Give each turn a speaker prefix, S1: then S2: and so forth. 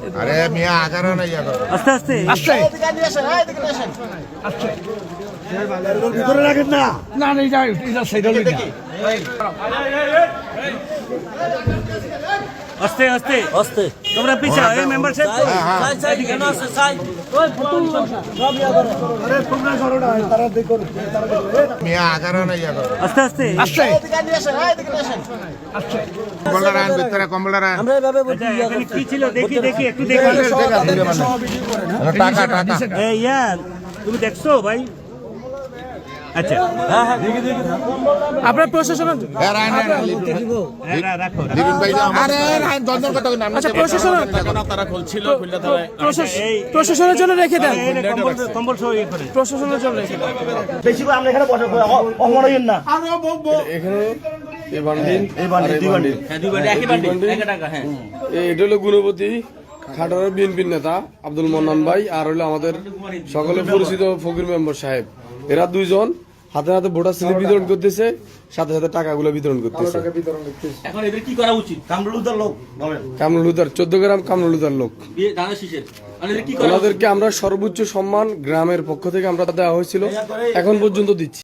S1: আরে মিয়া আগারো না ইয়া করো
S2: আস্তে আস্তে
S3: আস্তে ভিতরে রাখেন না না না এটা সাইডে লইয়া
S2: আস্তে আস্তে আস্তে তোমরা পিছাও এই মেম্বার সাহেব সাইড কেন আছে সাইড ওই ফুটুল সব ইয়া করো
S3: আরে তোমরা করো না তারা দেখো
S1: মিয়া আগারো না ইয়া করো
S3: আস্তে আস্তে আস্তে
S1: কম্বলটা রান ভিতরে কম্বলটা রান
S2: আমরা এভাবে বলছি এখানে কি ছিল দেখি দেখি একটু দেখি
S1: টাকা টাকা
S2: এই ইয়ার তুমি দেখছো ভাই আচ্ছা হ্যাঁ হ্যাঁ দেখি দেখি
S3: আপনার প্রশাসন
S1: এ রান
S2: রাখো
S1: দিদিন ভাই আরে রান দন্দন কত নাম
S3: আচ্ছা প্রশাসন
S4: তারা খুলছিল খুললে তারা
S3: প্রশাসনের জন্য রেখে দেন
S2: কম্বল সহ ইয়ে করে
S3: প্রশাসনের জন্য রেখে দেন
S5: বেশি করে আমরা এখানে বসে অমরইন না
S4: এখানে এই বান্ডিল দুই বান্ডিল
S2: হ্যাঁ দুই বান্ডিল একই বান্ডিল 1 টাকা হ্যাঁ
S4: এটা হলো গুণপতি খাটারের বিএনপির নেতা আব্দুল মন্নান ভাই আর হলো আমাদের সকলে পরিচিত ফকির মেম্বার সাহেব এরা দুইজন হাতে হাতে ভোটার স্লিপ বিতরণ করতেছে সাথে সাথে টাকাগুলো বিতরণ করতেছে
S2: এখন এদের কি করা উচিত
S5: কামরুলদার লোক বলেন
S4: কামরুলুদার 14 গ্রাম কামরুলুদার লোক
S2: দানা শীষের মানে এদের কি করা
S4: ওনাদেরকে আমরা সর্বোচ্চ সম্মান গ্রামের পক্ষ থেকে আমরা দেওয়া হয়েছিল এখন পর্যন্ত দিচ্ছি।